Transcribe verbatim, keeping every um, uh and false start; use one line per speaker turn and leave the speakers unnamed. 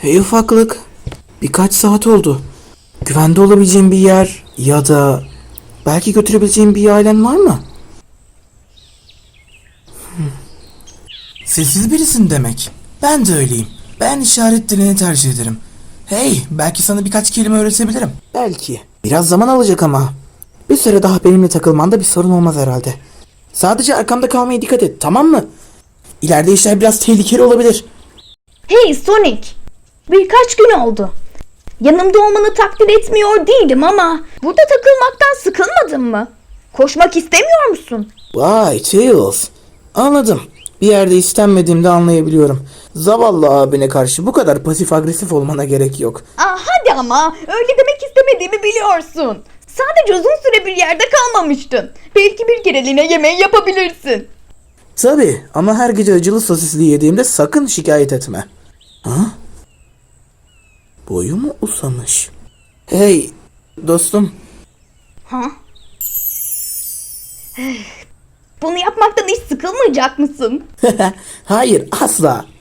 Hey ufaklık. Birkaç saat oldu. Güvende olabileceğin bir yer ya da belki götürebileceğin bir ailen var mı? Hmm. Sessiz birisin demek. Ben de öyleyim. Ben işaret dilini tercih ederim. Hey, belki sana birkaç kelime öğretebilirim. Belki. Biraz zaman alacak ama. Bir süre daha benimle takılmanda bir sorun olmaz herhalde. Sadece arkamda kalmaya dikkat et, tamam mı? İleride işler biraz tehlikeli olabilir.
Hey Sonic! Birkaç gün oldu. Yanımda olmanı takdir etmiyor değilim ama burada takılmaktan sıkılmadın mı? Koşmak istemiyor musun?
Vay Tails. Anladım. Bir yerde istenmediğimde anlayabiliyorum. Zavallı abine karşı bu kadar pasif agresif olmana gerek yok.
Aa, hadi ama öyle demek istemediğimi biliyorsun. Sadece uzun süre bir yerde kalmamıştın. Belki bir kereliğine yemeği yapabilirsin.
Tabii ama her gece acılı sosisli yediğimde sakın şikayet etme. Ha? Boyu mu uzamış? Hey dostum.
Ha? Bunu yapmaktan hiç sıkılmayacak mısın?
Hayır asla.